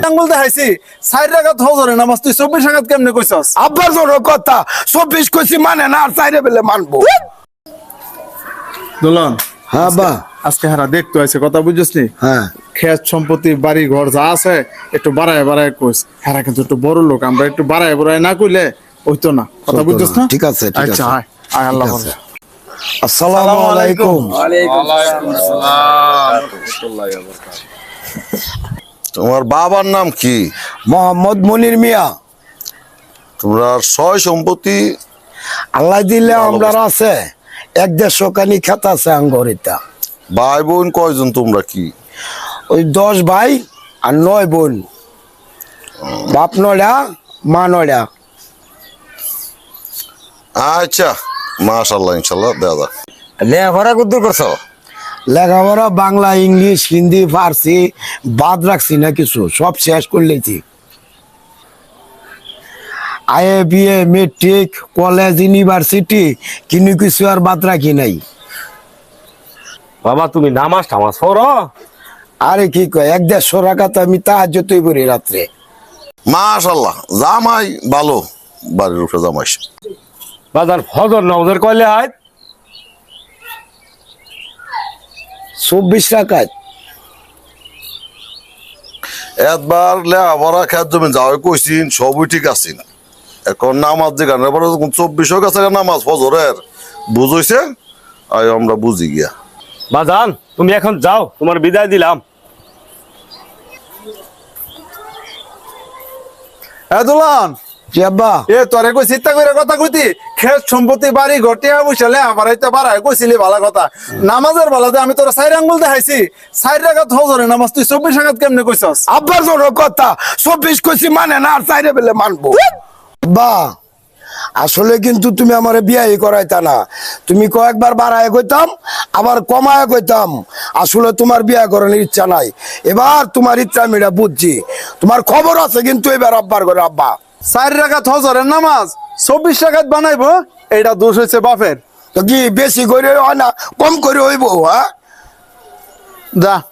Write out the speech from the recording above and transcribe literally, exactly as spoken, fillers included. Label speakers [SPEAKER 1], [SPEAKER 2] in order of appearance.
[SPEAKER 1] আঙ্গুল দেখাইছি চার রাকাত হজরে নামাজ তুই চব্বিশ রাকাত কেমনে কইছস?
[SPEAKER 2] আব্বার জোর কথা চব্বিশ কইছি মানে না আর চাইরে বেলে মানবো।
[SPEAKER 1] দুলন
[SPEAKER 2] হ্যাঁ বা
[SPEAKER 1] আজকে হারা দেখতে আছে কথা বুঝছিস নি?
[SPEAKER 2] হ্যাঁ
[SPEAKER 1] ক্ষেত সম্পত্তি বাড়ি ঘর যা আছে একটু বাড়ায় বাড়ায় কইস। হারা কিন্তু একটু বড় লোক, আমরা একটু বাড়ায় বাড়ায় না কইলে হইতো না। কথা বুঝছিস না?
[SPEAKER 2] ঠিক আছে ঠিক
[SPEAKER 1] আচ্ছা
[SPEAKER 2] আছে
[SPEAKER 1] আয় আয় আল্লাহ
[SPEAKER 2] ঠিক
[SPEAKER 1] হাফেজ।
[SPEAKER 2] আছে। আসসালামু আলাইকুম।
[SPEAKER 3] তোমার বাবার নাম কি?
[SPEAKER 2] মোহাম্মদ মনির মিয়া।
[SPEAKER 3] তোমরা সয় সম্পত্তি
[SPEAKER 2] আল্লাহ দিলে আমরা আছে এক দেড়শো কানি খেত আছে আঙ্গরিতা।
[SPEAKER 3] ভাই বোন কয়জন তোমরা? কি
[SPEAKER 2] ওই দশ ভাই আর নয় বোন, বাপ নড়া মা নড়া।
[SPEAKER 3] আচ্ছা, মাশাআল্লাহ ইনশাআল্লাহ দেওয়া যাক।
[SPEAKER 4] লেখাপড়া কত করছো?
[SPEAKER 2] লেখাপড়া বাংলা ইংলিশ হিন্দি ফার্সি বাদ রাখছি না কিছু, সব শেষ করলেছি। IA BA matric college university কিনে কিছু আর বাদ রাখি নাই।
[SPEAKER 4] বাবা তুমি নামাজ টামাজ পড়ো?
[SPEAKER 2] আরে কি কয়, এক দেড়শো টাকা তো আমি তাহাজ্জুদই পড়ি রাত্রে।
[SPEAKER 3] মাশাআল্লাহ, জামাই ভালো, বাড়ির উপরে জামাই।
[SPEAKER 4] বাজার ফজর নামাজের কয়লে হয়?
[SPEAKER 2] চব্বিশ টাকায়।
[SPEAKER 3] একবার লেখাপড়া খেত জমি যাওয়াই কইছিন, সবই ঠিক আছে। এখন নামাজ যে গানের পরে চব্বিশ গেছে নামাজ ফজরের বুঝইছে, আর আমরা বুঝি গিয়া।
[SPEAKER 4] বাজান তুমি এখন যাও, তোমার বিদায় দিলাম।
[SPEAKER 1] এ দুলন,
[SPEAKER 2] জি আব্বা।
[SPEAKER 1] এ তোরে কই চিন্তা করে কথা কইতি, ক্ষেত সম্পত্তি বাড়ি ঘটিয়া বসলে আমার হইতে বাড়ায় কইছিলি ভালো কথা। নামাজের বেলাতে আমি তোর চার আঙ্গুল দেখাইছি চার রাকাত হজরে নামাজ তুই চব্বিশ রাকাত কেমনে কইছস?
[SPEAKER 2] আব্বার জোর কথা চব্বিশ কইছি মানে না আর চাইরে বেলে মানবো। বা আসলে কিন্তু তুমি আমার বিয়াই করাইতা না, তুমি কয়েকবার বাড়ায় কইতাম আবার কমায় কইতাম। আসলে তোমার বিয়া করানোর ইচ্ছা নাই, এবার তোমার ইচ্ছা আমি এটা বুঝছি। তোমার খবর আছে কিন্তু এবার আব্বার করে। আব্বা
[SPEAKER 1] চার রাকাত হজরের নামাজ চব্বিশ রাকাত বানাইবো, এইটা দোষ হইছে বাপের।
[SPEAKER 2] তো কি বেশি করে হয় না কম করে হইব? হ্যাঁ
[SPEAKER 1] যা